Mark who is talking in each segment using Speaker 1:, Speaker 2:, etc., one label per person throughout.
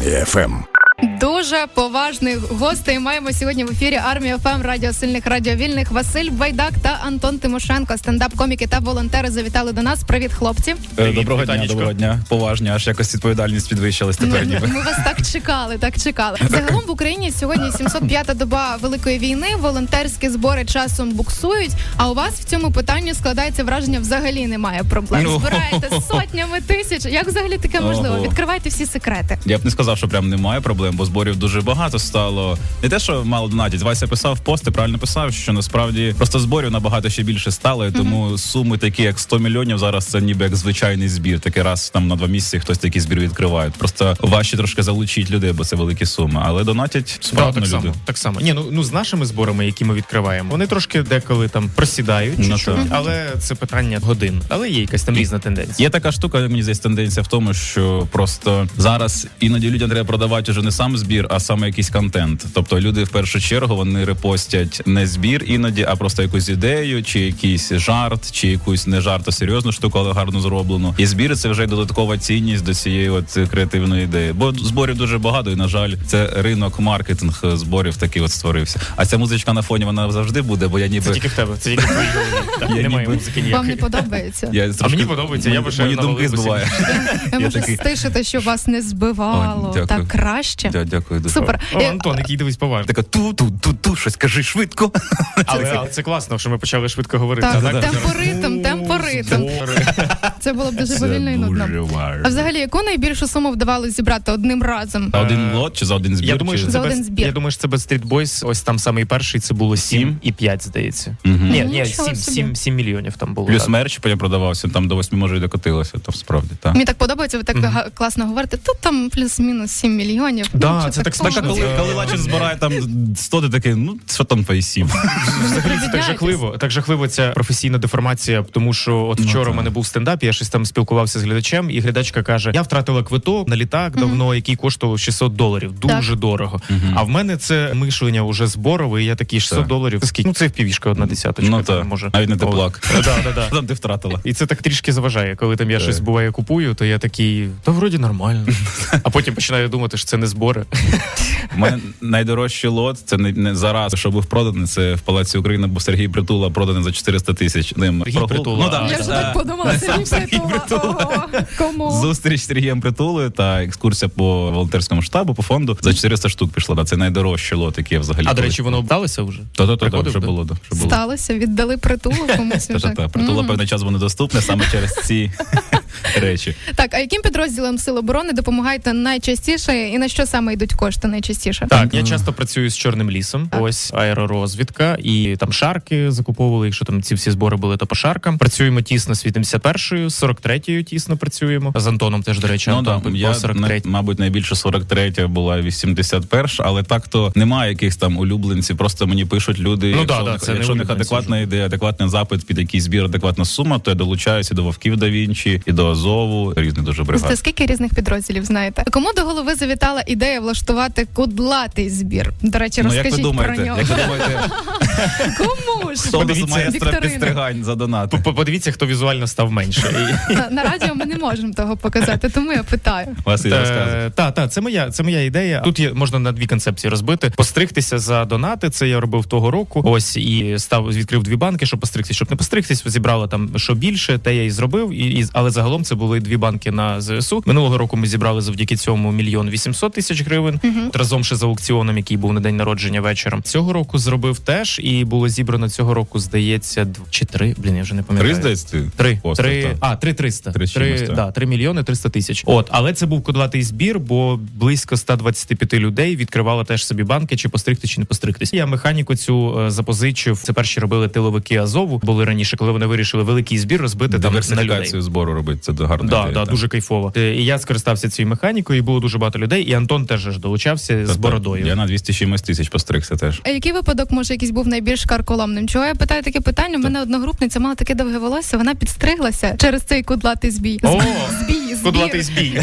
Speaker 1: Армія ФМ.
Speaker 2: Дуже поважних гостей маємо сьогодні в ефірі Армія ФМ, Радіо Сильних, Радіо Вільних. Василь Байдак та Антон Тимошенко, стендап-коміки та волонтери, завітали до нас. Привіт, хлопці.
Speaker 3: Доброго дня. Поважні, аж якось відповідальність підвищилась тепер ніби.
Speaker 2: Ми вас так чекали. Загалом в Україні сьогодні 705-та доба Великої війни, волонтерські збори часом буксують, а у вас в цьому питанні складається враження, взагалі немає проблем. Збираєте сотнями тисяч. Як взагалі таке можливо? Відкривайте всі секрети.
Speaker 3: Я б не сказав, що прям немає проблем, бо зборів дуже багато стало. Не те, що мало донатять. Вася писав пост, і правильно писав, що насправді просто зборів набагато ще більше стало, і тому суми такі, як 100 мільйонів, зараз це ніби як звичайний збір. Такий раз там на 2 місяці хтось такий збір відкриває. Просто важче трошки залучити людей, бо це великі суми. Але донатять справді люди.
Speaker 4: Так само. Ні, ну з нашими зборами, які ми відкриваємо, вони трошки деколи там просідають чуть-чуть, але це питання годин. Але є якась там різна тенденція.
Speaker 3: Є така штука, мені здається, тенденція в тому, що просто зараз іноді людям треба продавати вже не сам збір, а саме якийсь контент. Тобто люди в першу чергу вони репостять не збір іноді, а просто якусь ідею, чи якийсь жарт, чи якусь не жарт, а серйозну штуку, але гарно зроблену. І збір — це вже додаткова цінність до цієї от креативної ідеї. Бо зборів дуже багато, і, на жаль, це ринок, маркетинг зборів такий от створився. А ця музичка на фоні, вона завжди буде, бо я ніби...
Speaker 4: Це тільки в тебе, це тільки в твоїй голові. Немає музики ніякої.
Speaker 2: Вам не подобається?
Speaker 4: А мені подобається, я би ще
Speaker 3: мої думки збиває.
Speaker 2: Ви може стишите, що вас не збивало. Так краще?
Speaker 3: Дякую дуже.
Speaker 2: Супер.
Speaker 4: Антон, який дивись поважно.
Speaker 3: Така ту, щось кажи швидко.
Speaker 4: Але це класно, що ми почали швидко говорити.
Speaker 2: Так, темпоритм. Це було б дуже повільно і нудно. А взагалі, яку найбільшу суму вдавалося зібрати одним разом?
Speaker 3: За один лот чи за один збір?
Speaker 4: Я думаю, що
Speaker 2: За один збір.
Speaker 4: я думаю, що це без Street Boys. Ось там самий перший, це було 7,5, здається.
Speaker 3: Ні,
Speaker 4: Ні,
Speaker 2: Нічого собі.
Speaker 4: 7 мільйонів там було.
Speaker 3: Плюс мерч потім продавався, там до 8 може і докотилося, то справді, так.
Speaker 2: Мені так подобається, ви так класно говорите. Тут там плюс-мінус 7 мільйонів.
Speaker 4: Да, це так
Speaker 2: такого.
Speaker 4: смішно.
Speaker 3: Коли Лачик збирає там 100, ти такий, що там твої 7?
Speaker 4: Взагалі це так жахливо ця професійна деформація, тому що от вчора у мене був стендап, я щось там спілкувався з глядачем, і глядачка каже: я втратила квиток на літак давно, який коштував $600. Дуже дорого. А в мене це мишлення уже зборове, і я такий $600. Скільки? Ну це впівішка, 1/10.
Speaker 3: Ну так, навіть не теплак.
Speaker 4: Да.
Speaker 3: Там ти втратила.
Speaker 4: І це так трішки заважає, коли там я щось буває купую, то я такий, та вроді нормально. А потім починаю думати, що це не збори.
Speaker 3: У мене найдорожчий лот, це не зараз, що був проданий, це в Палаці України був Сергій Притула, проданий за 400 тисяч.
Speaker 4: Сергій Притула.
Speaker 2: Я вже так подумала, Сергій Притула. Кому?
Speaker 3: Зустріч з Сергієм Притулою та екскурсія по волонтерському штабу, по фонду. За 400 штук пішла. Це найдорожчий лот, який я взагалі.
Speaker 4: А, до речі, воно вдалося вже?
Speaker 3: Так, вже було.
Speaker 2: Сталося, віддали Притулу комусь уже.
Speaker 3: Притула певний час був недоступний саме через ці речі.
Speaker 2: Так, а яким підрозділам Сил оборони допомагаєте найчастіше і на що саме йдуть кошти найчастіше?
Speaker 4: Так, я часто працюю з Чорним лісом. Ось аеророзвідка, і там шарки закуповували. Якщо там ці всі збори були, то по шаркам. Працюємо тісно з 81-ю, з 43-ю тісно працюємо. З Антоном теж, до речі, Антон по 43-й.
Speaker 3: Мабуть, найбільше 43-я була 81-ша, але так то немає якихось там улюбленців. Просто мені пишуть люди, якщо в них адекватна ідея, адекватний запит під якийсь збір, адекватна сума, то я долучаюся до Вовків да Вінчі і до Азову, різних дуже бригад.
Speaker 2: Скільки різних підрозділів знаєте? Кому до голови завітала ідея влаштувати кудлатий збір? До речі, розкажіть про нього.
Speaker 3: Як ви думаєте?
Speaker 2: Кому ж?
Speaker 3: Хто маєстро підстригань за донати?
Speaker 4: Подивіться, хто візуально став менше.
Speaker 2: На радіо ми не можемо того показати, тому я питаю.
Speaker 3: Василь, розказуй.
Speaker 4: Так, це моя ідея. Тут можна на 2 концепції розбити. Постригтися за донати, це я робив того року. Ось, і відкрив 2 банки, щоб постригтися, щоб не постригтись. Зібрали там що більше, те я і зробив. Але загалом це були 2 банки на ЗСУ. Минулого року ми зібрали завдяки цьому 1 800 000 гривень. Разом ще за аукціоном, який був на день народження вечором. Цього року зробив теж, і було зібрано цього року, здається, 2 чи 3. Я вже не пам'ятаю.
Speaker 3: 3, здається?
Speaker 4: 3 300. 3 мільйони 300 тисяч. Але це був кудлатий збір, бо близько 125 людей відкривало теж собі банки, чи постригти, чи не постригтись. Я механіку цю запозичив. Це перші робили тиловики Азову, були раніше, коли вони вирішили великий збір розбити там на людей.
Speaker 3: Диверсифікацію збору робити, це гарна ідея.
Speaker 4: Дуже кайфово. І я скористався цією механікою, і було дуже багато людей, і Антон теж долучався з бородою.
Speaker 3: Я на 200 чимось тисяч постригся теж.
Speaker 2: А який випадок, може, якийсь був найбільш карколомним? Чого я питаю таке питання? У мене одногрупниця мала таке довге волосся, вона підстриглася через цей кудлатий збій. Збій.
Speaker 4: Кудлатий збій.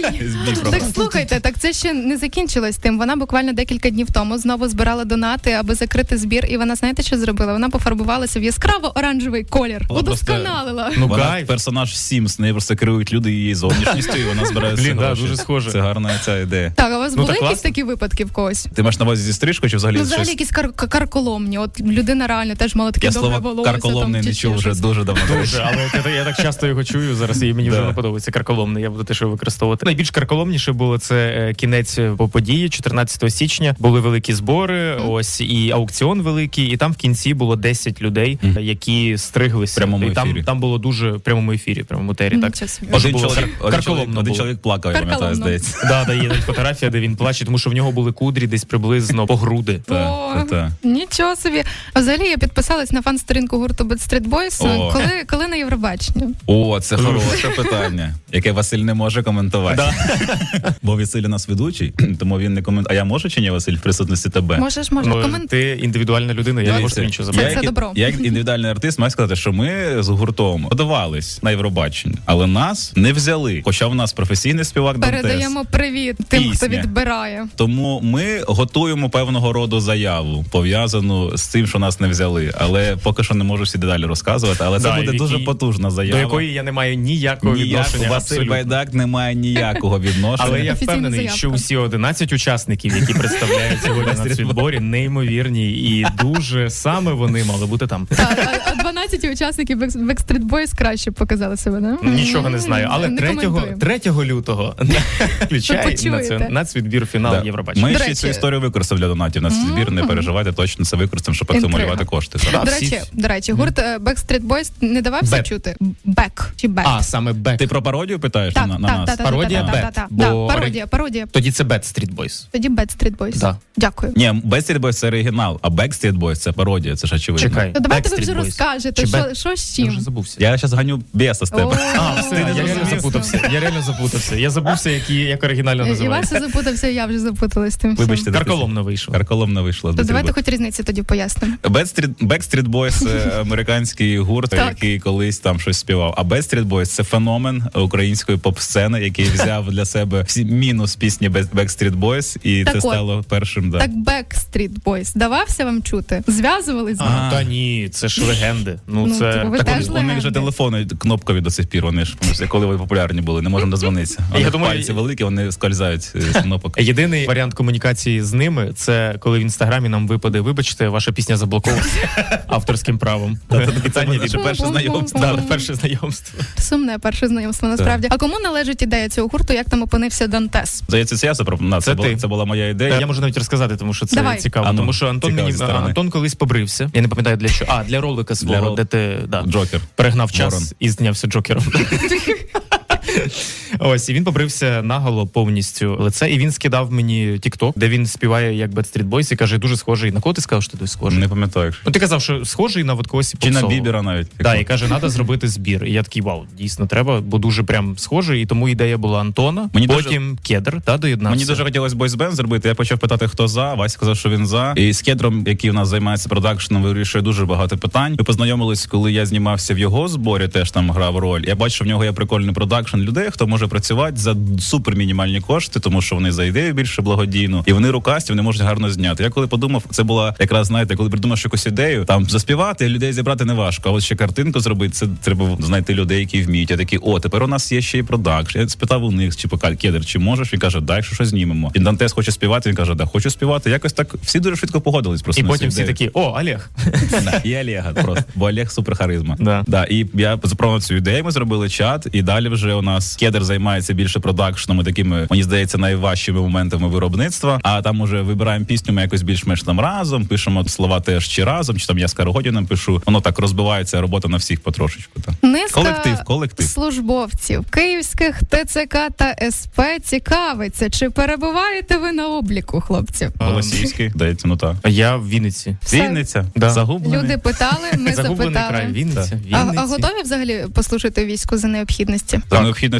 Speaker 2: Так слухайте, так це ще не закінчилось тим. Вона буквально декілька днів тому знову збирала донати, аби закрити збір. І вона, знаєте, що зробила? Вона пофарбувалася в яскраво-оранжевий колір. Удосконалила.
Speaker 4: Ну,
Speaker 3: Вона
Speaker 4: кайф.
Speaker 3: персонаж Sims, неї просто керують люди її зовнішністю, і вона збирає
Speaker 4: Блін, да,
Speaker 3: гроші.
Speaker 4: дуже схоже.
Speaker 3: Це гарна ця ідея.
Speaker 2: Так, а у вас
Speaker 4: Ну,
Speaker 2: були
Speaker 4: так
Speaker 2: якісь
Speaker 4: класно.
Speaker 2: такі випадки в когось?
Speaker 3: Ти маєш на увазі зі стрижкою чи взагалі
Speaker 2: Ну, взагалі
Speaker 3: щось?
Speaker 2: якісь карколомні. От людина реально теж мала таке
Speaker 3: Я
Speaker 2: довге
Speaker 3: слово
Speaker 2: волосся.
Speaker 3: карколомний
Speaker 2: там,
Speaker 3: не
Speaker 2: чи
Speaker 3: чув
Speaker 2: ще
Speaker 3: вже
Speaker 2: щось.
Speaker 3: дуже давно.
Speaker 4: Дуже, але я так часто його чую зараз, і мені вже
Speaker 3: Да.
Speaker 4: не подобається карколомний. Я буду теж його використовувати. Найбільш карколомніше було це кінець по події, 14 січня. Були великі збори, ось і аукціон великий, і там в кінці було 10 людей, які стриглися.
Speaker 3: В прямому
Speaker 4: І
Speaker 3: ефірі.
Speaker 4: там було дуже в прямому ефірі, в прямому етері. Так.
Speaker 2: Нічого собі.
Speaker 3: Один
Speaker 4: було
Speaker 3: чоловік,
Speaker 4: карколомно
Speaker 3: один
Speaker 4: було.
Speaker 3: чоловік плакав, я пам'ятаю,
Speaker 2: Карколомно.
Speaker 3: здається.
Speaker 4: Да, є навіть фотографія, де він плаче, тому що в нього були кудрі десь приблизно по груди.
Speaker 2: О, нічого собі. А взагалі я підписалась на фан-сторінку гурту Backstreet Boys.
Speaker 3: О.
Speaker 2: Коли на Євробачення?
Speaker 3: О, це хороше питання, яке Василь не може коментувати. Бо Василь у нас ведучий, тому він не коментує. А я можу чи ні, Василь, в присутності тебе?
Speaker 2: Можна
Speaker 4: Ну,
Speaker 2: коментувати.
Speaker 4: ти індивідуальна людина, я не можу тобі нічого забрати.
Speaker 2: Це добро.
Speaker 3: Я як індивідуальний артист маю сказати, що ми з гуртом подавались на Євробачення, але нас не взяли. Хоча в нас професійний співак Дантес.
Speaker 2: Передаємо привіт тим,
Speaker 3: Пісня.
Speaker 2: хто відбирає.
Speaker 3: Тому ми готуємо певного роду заяву, пов'язану з цим, що нас не взяли. Але поки що не можу всі деталі розказувати. Але це
Speaker 4: Да,
Speaker 3: буде
Speaker 4: і
Speaker 3: дуже
Speaker 4: який-
Speaker 3: потужна заява.
Speaker 4: До якої я не маю ніякого відношення.
Speaker 3: Василь
Speaker 4: абсолютно.
Speaker 3: Байдак не має ніякого відношення.
Speaker 4: Але я
Speaker 2: Офіційна
Speaker 4: впевнений,
Speaker 2: заявка.
Speaker 4: що усі 11 учасників, які представляють сьогодні на світборі, неймовірні і дуже саме вони мали бути там.
Speaker 2: А 12 учасників Backstreet Boys краще показали себе, не?
Speaker 4: Нічого не знаю, але
Speaker 2: Не
Speaker 4: 3
Speaker 2: коментуємо.
Speaker 4: лютого включай
Speaker 2: почуєте.
Speaker 4: нацвідбір фінал
Speaker 3: Да.
Speaker 4: Євробачення.
Speaker 3: Ми
Speaker 2: До
Speaker 3: ще
Speaker 2: речі-
Speaker 3: цю історію використав для донатів. На цей збір не переживайте, точно це використаємо, щоб акумулювати
Speaker 2: Інтрига.
Speaker 3: кошти.
Speaker 4: Да,
Speaker 2: До речі, гурт Backstreet Boys не давався
Speaker 4: Бек.
Speaker 2: чути? Бек чи Бек?
Speaker 4: А, саме Бек.
Speaker 3: Ти про пародію питаєш
Speaker 2: Так,
Speaker 3: на нас?
Speaker 2: так,
Speaker 4: Пародія
Speaker 2: так,
Speaker 4: Bad,
Speaker 2: так, так,
Speaker 4: бо
Speaker 2: так, пародія.
Speaker 4: Тоді це Backstreet Boys.
Speaker 2: Тоді Backstreet Boys.
Speaker 4: Да.
Speaker 2: Дякую.
Speaker 3: Ні, Backstreet Boys це оригінал, а Backstreet Boys це пародія, це ж очевидно.
Speaker 4: Чекай.
Speaker 2: Ну давайте ви
Speaker 4: Backstreet
Speaker 2: вже
Speaker 4: Boys.
Speaker 2: розкажете,
Speaker 4: Чи
Speaker 2: що
Speaker 4: Back-
Speaker 2: що з
Speaker 4: Я
Speaker 2: чим.
Speaker 4: вже забувся.
Speaker 3: Я зараз ганю біса з тебе.
Speaker 4: А, все, я реально запутався. Я забувся, як оригінально
Speaker 2: І
Speaker 4: називається.
Speaker 2: Вася запутався, і я вже запуталась тим всім.
Speaker 3: Вибачте,
Speaker 4: Карколомно вийшло.
Speaker 3: Карколомно вийшло.
Speaker 2: То давайте хоч різниці тоді пояснимо.
Speaker 3: Backstreet Boys – це американський гурт,
Speaker 2: Так.
Speaker 3: який колись там щось співав. А Backstreet Boys – це феномен української поп-сцени, який взяв для себе всі мінус пісні Backstreet Boys, і
Speaker 2: Так
Speaker 3: це
Speaker 2: от.
Speaker 3: стало першим. Да.
Speaker 2: Так Backstreet Boys давався вам чути? Зв'язувались з ним?
Speaker 3: А.
Speaker 4: Та ні, це ж легенди. Ну
Speaker 2: Ну,
Speaker 4: це
Speaker 2: типу, ви
Speaker 3: Так
Speaker 2: теж
Speaker 3: у них же
Speaker 2: легенди.
Speaker 3: телефони кнопкові до сих пір, вони ж, коли вони популярні були, не можемо дозвонитися.
Speaker 4: Я
Speaker 3: Я
Speaker 4: думаю,
Speaker 3: пальці великі, вони скользають з кнопок.
Speaker 4: єдиний варіант комунікації з ними це коли в інстаграмі нам випаде, вибачте, ваша пісня заблокована авторським правом. Вітання
Speaker 3: буде
Speaker 4: від
Speaker 3: наше перше знайомство.
Speaker 4: Да, перше знайомство.
Speaker 2: Сумне перше знайомство, насправді. А кому належить ідея цього гурту, як там опинився Дантес?
Speaker 3: Здається, це я запропонував.
Speaker 4: Це ти.
Speaker 3: Це була моя ідея.
Speaker 4: Я можу навіть розказати, тому що це
Speaker 2: Давай.
Speaker 4: цікаво.
Speaker 3: А ну,
Speaker 4: Тому що
Speaker 3: цікаво зі сторони.
Speaker 4: Антон колись побрився. Я не пам'ятаю для чого. Для ролика свого, де ти
Speaker 3: Джокер.
Speaker 4: перегнав час
Speaker 3: Ворон.
Speaker 4: і знявся Джокером. Ось, і він побрився наголо повністю лице, і він скидав мені TikTok, де він співає як Backstreet Boys і каже, дуже схожий. На кого ти сказав, що ти дуже схожий?
Speaker 3: Не пам'ятаю.
Speaker 4: Ну ти казав, що схожий на когось
Speaker 3: Чи на
Speaker 4: попсового.
Speaker 3: Бібера навіть.
Speaker 4: Так, і каже, треба зробити збір. І я такий, вау, дійсно треба, бо дуже прям схожий. І тому ідея була Антона.
Speaker 3: Мені
Speaker 4: Потім Кедр доєднався.
Speaker 3: Мені дуже хотілося бойсбенд зробити. Я почав питати, хто за. Вася сказав, що він за. І з Кедром, який у нас займається продакшеном, вирішує дуже багато питань. Ми познайомились, коли я знімався в його зборі, теж там грав роль. Я бачу, що в нього є прикольний продакшн людей, хто може працювати за супер мінімальні кошти, тому що вони за ідею більше благодійну, і вони рукасті, вони можуть гарно зняти. Я коли подумав, це була якраз, знаєте, коли придумаєш якусь ідею, там заспівати, людей зібрати не важко. А от ще картинку зробити, це треба знайти людей, які вміють. Я такий, тепер у нас є ще і продакшн. Я спитав у них, чи пока Кедр, чи можеш? Він каже, да, якщо щось знімемо. І Дантес хоче співати, він каже, да, хочу співати. Якось так всі дуже швидко погодились. Просто
Speaker 4: І
Speaker 3: на цю
Speaker 4: потім всі
Speaker 3: ідею.
Speaker 4: такі, Олег.
Speaker 3: Да, і Олега просто, бо Олег супер харизма.
Speaker 4: Да.
Speaker 3: І я запропонував цю ідею, ми зробили чат, і далі вже у нас Кедр займається більше продакшнами, такими, мені здається, найважчими моментами виробництва. А там уже вибираємо пісню, ми якось більш-менш там разом, пишемо слова теж чи разом, чи там я з Карогодіном пишу. Воно так розбивається, робота на всіх потрошечку. Так.
Speaker 2: Низка
Speaker 3: Колектив.
Speaker 2: службовців київських ТЦК та СП цікавиться, чи перебуваєте ви на обліку, хлопці?
Speaker 3: Голосівський, здається, ну так.
Speaker 4: А я в Вінниці.
Speaker 2: Все.
Speaker 3: Вінниця,
Speaker 4: Да.
Speaker 3: загублений.
Speaker 2: Люди питали, ми
Speaker 4: Загублений край.
Speaker 2: запитали.
Speaker 4: Вінниця.
Speaker 2: А
Speaker 4: Вінниці.
Speaker 2: готові взагалі послужити війську за необхідності?
Speaker 3: За необхідності так,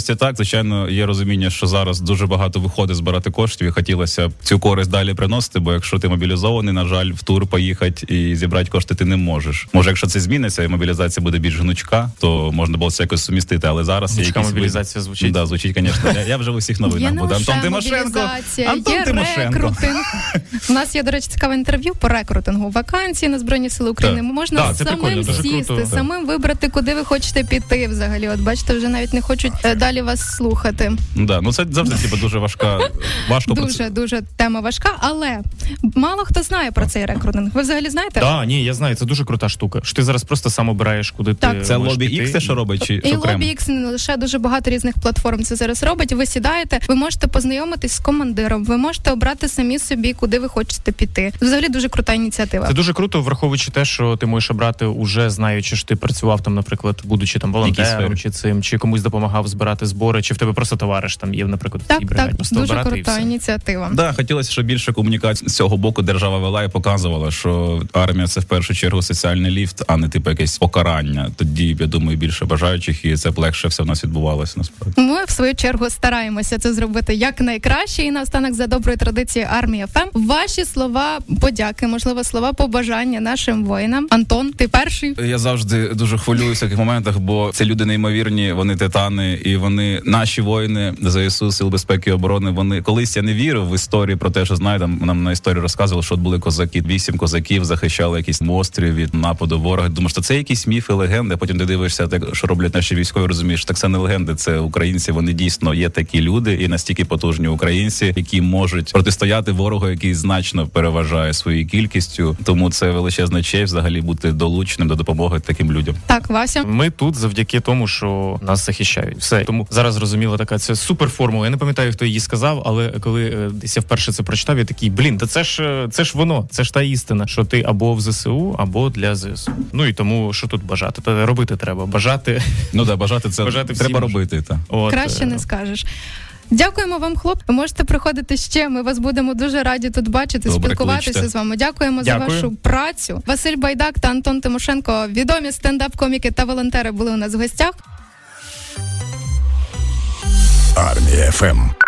Speaker 3: звичайно, є розуміння, що зараз дуже багато виходить збирати коштів, і хотілося б цю користь далі приносити, бо якщо ти мобілізований, на жаль, в тур поїхати і зібрати кошти ти не можеш. Може, якщо це зміниться і мобілізація буде більш гнучка, то можна було це якось сумістити, але зараз є
Speaker 4: Гнучка
Speaker 3: якісь
Speaker 4: мобілізація звучить.
Speaker 3: Да, звучить, звісно. Я вже в усіх
Speaker 2: Є
Speaker 3: новинах
Speaker 2: не
Speaker 3: буду.
Speaker 2: лише
Speaker 3: Антон Тимошенко.
Speaker 2: мобілізація,
Speaker 3: Антон
Speaker 2: є
Speaker 3: Тимошенко.
Speaker 2: рекрутинг. У нас є, до речі, цікаве інтерв'ю по рекрутингу. Вакансії на Збройні Сили України.
Speaker 3: Так.
Speaker 2: Можна
Speaker 4: Да, це прикольно,
Speaker 2: самим
Speaker 4: дуже
Speaker 2: сісти,
Speaker 4: круто.
Speaker 2: самим вибрати, куди ви хочете піти взагалі. От бачите, вже навіть не хочуть далі вас слухати.
Speaker 3: Да, ну це завжди дуже важко про це.
Speaker 2: Дуже тема важка, але мало хто знає про цей рекрутинг. Ви взагалі знаєте?
Speaker 4: Так, ні, я знаю, це дуже крута штука. Що ти зараз просто сам обираєш, куди
Speaker 2: Так.
Speaker 4: ти
Speaker 3: Це
Speaker 4: можеш
Speaker 3: Lobby
Speaker 4: піти.
Speaker 3: X те, що робить, чи
Speaker 2: І
Speaker 3: окремо?
Speaker 2: LobbyX не лише, дуже багато різних платформ це зараз робить. Ви сідаєте, ви можете познайомитись з командиром, ви можете обрати самі собі, куди ви хочете піти. Взагалі дуже крута ініціатива.
Speaker 4: Це дуже круто, враховуючи те, що ти можеш обрати, уже знаючи, що ти працював там, наприклад, будучи там волонтером,
Speaker 3: сфері?
Speaker 4: чи цим, чи комусь допомагав збирати збори, чи в тебе просто товариш там є, наприклад, в цій
Speaker 2: Так,
Speaker 4: бригаді.
Speaker 2: так,
Speaker 4: Просто
Speaker 2: дуже
Speaker 4: обирати і
Speaker 2: крута
Speaker 4: все.
Speaker 2: ініціатива.
Speaker 3: Да, хотілося, щоб більше комунікацій з цього боку держава вела і показувала, що армія це в першу чергу соціальний ліфт, а не типу якесь покарання. Тоді, я думаю, більше бажаючих, і це б легше все в нас відбувалося насправді.
Speaker 2: Ми в свою чергу стараємося це зробити як найкраще. І наостанок за доброю традицією Армія ФМ. Ваші слова подяки, можливо, слова побажання нашим воїнам. Антон, ти перший.
Speaker 3: Я завжди дуже хвилююся в таких моментах, бо це люди неймовірні, вони титани, і вони наші воїни ЗСУ, Сил безпеки і оборони. Вони колись я не вірив в історії про те, що знаєте, нам на історії розказували, що от були козаки, 8 козаків захищали якийсь острів від нападу ворога. Думаю, що це якісь міфи, легенди. Потім ти дивишся, що роблять наші військові, розумієш, так це не легенди, це українці. Вони дійсно є такі люди, і настільки потужні українці, які можуть протистояти ворогу, який значно переважає своєю кількістю. Тому це величезна честь взагалі бути долученим до допомоги таким людям.
Speaker 2: Так, Вася.
Speaker 4: Ми тут завдяки тому, що нас захищають. Все. Тому зараз зрозуміла така це супер формула. Я не пам'ятаю, хто її сказав, але коли десь я вперше це прочитав, я такий, та це ж воно, це ж та істина, що ти або в ЗСУ, або для ЗСУ. Ну і тому що тут бажати? Та робити треба. Бажати.
Speaker 3: Ну да, бажати це
Speaker 4: Бажати
Speaker 3: треба
Speaker 4: всім.
Speaker 3: робити. Та.
Speaker 4: От,
Speaker 2: Краще не скажеш. Дякуємо вам, хлопці. Ви можете приходити ще. Ми вас будемо дуже раді тут бачити,
Speaker 3: Добре,
Speaker 2: спілкуватися
Speaker 3: кличте.
Speaker 2: з вами. Дякуємо за
Speaker 4: Дякую.
Speaker 2: вашу працю. Василь Байдак та Антон Тимошенко, відомі стендап-коміки та волонтери, були у нас в гостях.
Speaker 1: Армія ФМ.